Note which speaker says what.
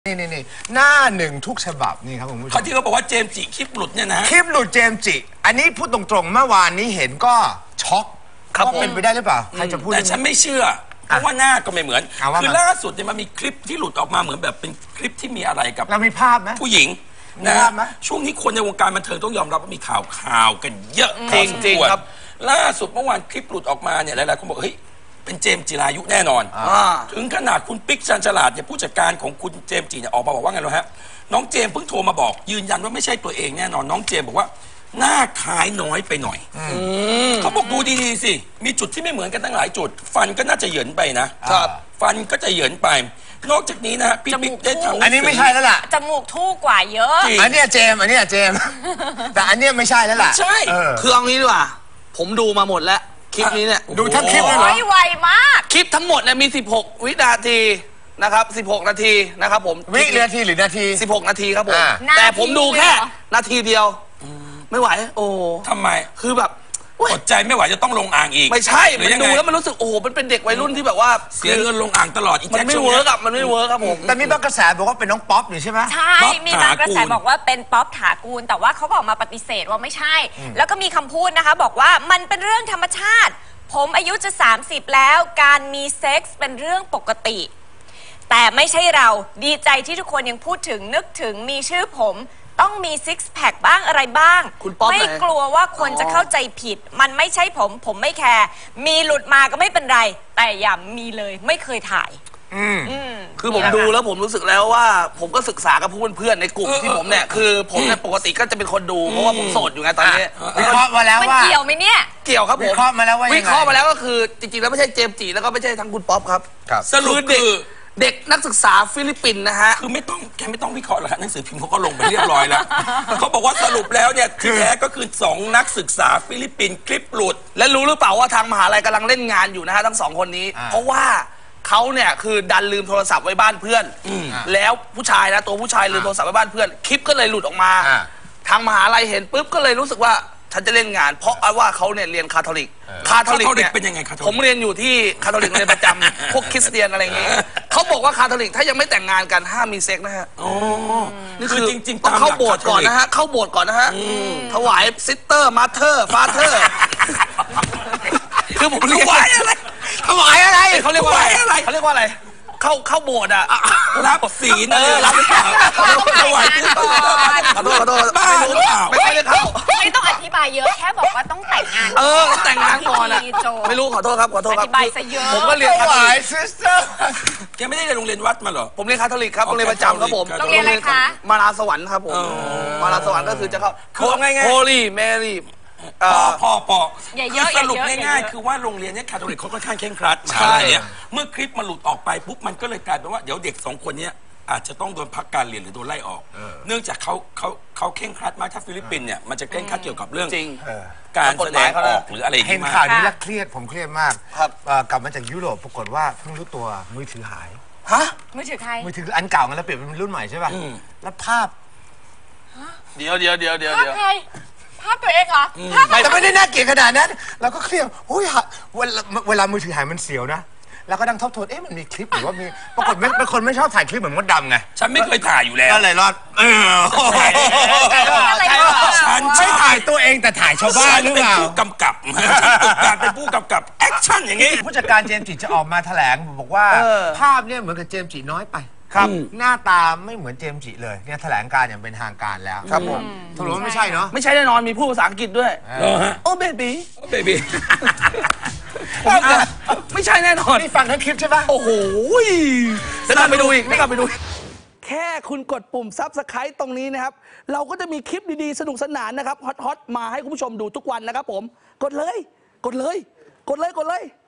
Speaker 1: นี่หน้าหนึ่งทุกฉบับนี่ครับผมผู้ช
Speaker 2: เขา
Speaker 1: ม
Speaker 2: ที่เขาบอกว่าเจมส์จิคลิปหลุดเนี่ยนะ
Speaker 1: คลิปหลุดเจมส์จิอันนี้พูดตรงๆเมื่อวานนี้เห็นก็ช็อกครับเป็นไปได้หรือเปล่าใครจะพูด
Speaker 2: แต่ฉันไม่เชื่อเพราะว่าหน้าก็ไม่เหมือน คือล่าสุดเนี่ยมันมีคลิปที่หลุดออกมาเหมือนแบบเป็นคลิปที่มีอะไรกับ
Speaker 1: เรามีภาพไหม
Speaker 2: ผู้หญิง
Speaker 1: มี
Speaker 2: นะ
Speaker 1: ภาพไหม
Speaker 2: ช่วงนี้คนในวงการบันเทิงต้องยอมรับว่ามีข่าวกันเยอะ
Speaker 3: จริงๆครับ
Speaker 2: ล่าสุดเมื่อวานคลิปหลุดออกมาเนี่ยหลายๆคนบอกเฮ้ยเป็นเจมส์จิรายุแน่นอนถึงขนาดคุณปิ๊กชันฉลาดเนี่ยผู้จัดการของคุณเจมส์จิเนี่ยออกมาบอกว่าไงรู้ฮะน้องเจมส์เพิ่งโทรมาบอกยืนยันว่าไม่ใช่ตัวเองแน่นอนน้องเจมส์บอกว่าหน้าคล้ายน้อยไปหน่อยเขาบอกดูดีๆสิมีจุดที่ไม่เหมือนกันตั้งหลายจุด ฟันก็น่าจะเหยินไปนะครับฟันก็จะเหยินไป นอกจากนี้นะฮะพี่ปิ๊กได้ทำ
Speaker 1: อันนี้ไม่ใช่แล้วล่ะ
Speaker 4: จมูกทู่กว่าเยอะ
Speaker 1: อันเนี้ยเจมส์แต่อันเนี้ยไม่ใช่แล้วล่ะ
Speaker 2: ใช่
Speaker 3: คือเอางี้ดีกว่าผมดูมาหมดแล้วคลิปนี้เนี่ย
Speaker 1: ดูทั้งคลิปเลยเหรอ
Speaker 4: ไวมาก
Speaker 3: คลิปทั้งหมดเนี่ยมี16วินาทีนะครับ16นาทีนะครับผม
Speaker 1: วินาทีหรือนาที
Speaker 3: 16นาทีครับผม
Speaker 4: นาที
Speaker 3: แต่ผมดูแค่
Speaker 4: เดียวเหรอ
Speaker 3: นาทีเดียวไม่ไหวโอ้
Speaker 2: ทำไม
Speaker 3: คือแบบเว้ย
Speaker 2: อดใจไม่ไหวจะต้องลงอ่างอีก
Speaker 3: ไม่ใช่
Speaker 2: หรื
Speaker 3: มัน
Speaker 2: อยัง
Speaker 3: ดู
Speaker 2: ไง
Speaker 3: แล้วมันรู้สึกโอ้โหมันเป็นเด็กวัยรุ่นที่แบบว่า
Speaker 2: เสียเงินลงอ่างตลอดอี
Speaker 3: มัน
Speaker 2: แจ็ค
Speaker 3: ไม่
Speaker 2: ช่วง
Speaker 3: เวิ
Speaker 2: เนี้
Speaker 3: ร์ก
Speaker 2: ย
Speaker 3: อะมันไม่เวิร์กครับผม
Speaker 1: แต่มีบางกระแสบอกว่าเป็นน้องป๊อปอยู่ใช่ไหม
Speaker 4: ใช่
Speaker 2: ป๊อป
Speaker 4: มีบางกระแส
Speaker 2: ถากูล
Speaker 4: บอกว่าเป็นป๊อปถากูลแต่ว่าเขาบอกมาปฏิเสธว่าไม่ใช่ แล้วก็มีคำพูดนะคะบอกว่ามันเป็นเรื่องธรรมชาติ ผมอายุจะ 30 แล้วการมีเซ็กส์เป็นเรื่องปกติ แต่ไม่ใช่เราดีใจที่ทุกคนยังพูดถึงนึกถึงมีชื่อผมต้องมีซิกแพคบ้างอะไรบ้าง
Speaker 3: คุณป๊อป
Speaker 4: ไม่
Speaker 3: ไหน
Speaker 4: กลัวว่าคนจะเข้าใจผิด มันไม่ใช่ผมไม่แคร์มีหลุดมาก็ไม่เป็นไร แต่อย่ามีเลยไม่เคยถ่าย
Speaker 3: คือผมดูแล้วผมรู้สึกแล้วว่าผมก็ศึกษากับเพื่อนๆในกลุ่มที่ผมเนี่ยคือผมเนี่ยปกติก็จะเป็นคนดูเพราะว่าผมโสดอยู่ไงตอนนี้
Speaker 1: วิเคราะห์มาแล้ว
Speaker 4: มัน
Speaker 1: ว่า
Speaker 4: เกี่ยวไหมเนี่ย
Speaker 3: เกี่ยวครับผม
Speaker 1: วิเคราะห์มาแล้วว่ายังไง
Speaker 3: วิเคราะห์มาแล้วก็คือจริงๆแล้วไม่ใช่เจมส์จิแล้วก็ไม่ใช่ทั้งคุณป๊อปครับ
Speaker 2: สรุป
Speaker 3: เด็ก
Speaker 2: คือ
Speaker 3: เด็กนักศึกษาฟิลิปปินส์นะฮะ
Speaker 2: คือแกไม่ต้องวิเคราะห์หรอกฮะหนังสือพิมพ์เขาก็ลงไปเรียบร้อยแล้ว เขาบอกว่าสรุปแล้วเนี่ยที่แท้ก็คือ2นักศึกษาฟิลิปปินส์คลิปหลุด
Speaker 3: และรู้หรือเปล่าว่าทางมหาลัยกำลังเล่นงานอยู่นะฮะทั้งสองคนนี้ เพราะว่าเขาเนี่ยคือดันลืมโทรศัพท์ไว้บ้านเพื่อนแล้วผู้ชายนะตัวผู้ชายลืมโทรศัพท์ไว้บ้านเพื่อนคลิปก็เลยหลุดออกมา ทางมหาลัยเห็นปุ๊บก็เลยรู้สึกว่าฉันจะเล่นงาน เพราะว่าเขาเนี่ยเรียนคาทอลิกคาทอลิกเนี่ย
Speaker 2: เป็นยังไงคาทอลิก
Speaker 3: ผมเรียนอยู่ที่คาทอลิกเรียนประจำ พวกคริสเตียนอะไรอย่างงี้เขาบอกว่าคาทอลิกถ้ายังไม่แต่งงานกันห้ามมีเซ็กนะฮะ นี่
Speaker 2: คือจริงๆ
Speaker 3: ต้องเข้าโบสถ์ก่อนนะฮะเข้าโบสถ์ก่อนนะฮะถวายซิสเตอร์มาเธอร์ฟาเธอร์คือผมเรียก
Speaker 2: ถวายอะไร
Speaker 1: ถวายอะไร
Speaker 3: เขาเรียกว่าอะไร
Speaker 2: ถวายอะไร
Speaker 3: เขาเรียกว่าอะไรเข้าโบสถ์อะ
Speaker 2: รับศีลรับหรือเปล่าถวายที่ต่อ
Speaker 3: ขอโทษขอโทษ
Speaker 2: บ้าหรือเปล่า
Speaker 3: ไม่ได้เข้า
Speaker 4: ไม่ต้องอธิบายเยอะแค่บอกว่าต้องแต่งงาน
Speaker 3: ต้องแต่งงานก่อนอะ
Speaker 4: โจ
Speaker 3: ไม่รู้ขอโทษครับขอโทษครับ
Speaker 4: อธิบายซะเยอะ
Speaker 3: ผมก็เรียน
Speaker 1: ถ
Speaker 3: คาทอ
Speaker 1: วาย
Speaker 3: ลิก
Speaker 1: ซิสเตอร์
Speaker 2: แกไม่ได้เรียนโรงเรียนวัดมาเหรอ
Speaker 3: ผมเรียนคาทอลิกครับโรงเรียนประจำครับผม
Speaker 4: โรงเรียนอะไรคะ
Speaker 3: มาลาสวรรค์ครับผมมาลาสวรรค์ก็คือจะเข้า
Speaker 2: คือเอาง่ายๆ
Speaker 3: โฮลี่แมรี่
Speaker 2: พอ
Speaker 4: อย่าเยอะ
Speaker 2: สรุป
Speaker 4: อย่าเยอะ
Speaker 2: ง่ายๆคือว่าโรงเรียนเนี้คาทอลิกเขาค่อนข้างเคร่งครัด
Speaker 3: ใช่
Speaker 2: เนี่ยเมื่อคลิปมันหลุดออกไปปุ๊บมันก็เลยกลายเป็นว่าเดี๋ยวเด็ก2คนเนี้ยอาจจะต้องโดนพักการเรียนหรือโดนไล่ออก เนื่องจากเขาเคร่งครัดมากถ้าฟิลิปปินส์เนี่ยมันจะเคร่งครัดเกี่ยวกับเรื่อง
Speaker 3: จริง
Speaker 2: การแสดงออกหรืออะไรอย่าง
Speaker 1: เห็น
Speaker 2: งี้
Speaker 1: ข่าว
Speaker 2: มาก
Speaker 1: นี้แล้วเครียดผมเครียดมาก
Speaker 3: ครับ
Speaker 1: กลับมาจากยุโรปปรากฏว่าเพิ่งรู้ตัวมือถือหาย
Speaker 3: ฮะ
Speaker 4: มือถือใคร
Speaker 1: มือถืออันเก่ากันแล้วเปลี่ยนเป็นรุ่นใหม่ใช่ป่ะแล้วภาพ
Speaker 3: เดี๋ยว
Speaker 4: ภาพใครภาพตัวเองเหรอภาพ
Speaker 1: แต่ไม่ได้น่าเกลียดขนาดนั้นเราก็เครียดโอ้ยเวลามือถือหายมันเสียวนะแล้วก็ดังทบทวนมันมีคลิปหรือว่ามีปรากฏเป็นคนไม่ชอบถ่ายคลิปเหมือนมดดำไง
Speaker 2: ฉันไม่เคยถ่ายอยู่แล้ว
Speaker 1: ก็เลยรอด
Speaker 4: อะไร
Speaker 3: ใช่
Speaker 4: วะ
Speaker 3: ป่ะ
Speaker 2: ฉัน
Speaker 1: ไม่ถ่ายตัวเองแต่ถ่ายชาวบ้านหรือ
Speaker 2: เป็น
Speaker 1: เปล่า
Speaker 2: ผู้กำกับฝึกการเป็นผู้กำกับแอคชั่นอย่างงี้
Speaker 1: ผู้จัดการเจมส์จิจะออกมาแถลงบอกว่าภาพเนี่ยเหมือนกับเจมส์จิน้อยไปหน้าตาไม่เหมือนเจมส์จิเลยเนี่ยแถลงการอย่างเป็นทางการแล้วครับผมสรุปว่าไม่ใช่เนาะ
Speaker 3: ไม่ใช่แน่นอนมีพูดภาษาอังกฤษด้วย
Speaker 2: เหรอฮะ
Speaker 3: โอ้เบบี้
Speaker 2: เบบี้
Speaker 3: ไม่ใช่แน่นอน
Speaker 1: นี่ฟังทั้งคลิปใช่ปะ
Speaker 3: โอ้โหแล้วกลับไปดูอีกกลับไปดู แค่คุณกดปุ่ม Subscribe ตรงนี้นะครับ เราก็จะมีคลิปดีๆ สนุกสนานนะครับ ฮอตๆ มาให้คุณผู้ชมดูทุกวันนะครับผม กดเลย กดเลย กดเลย กดเลย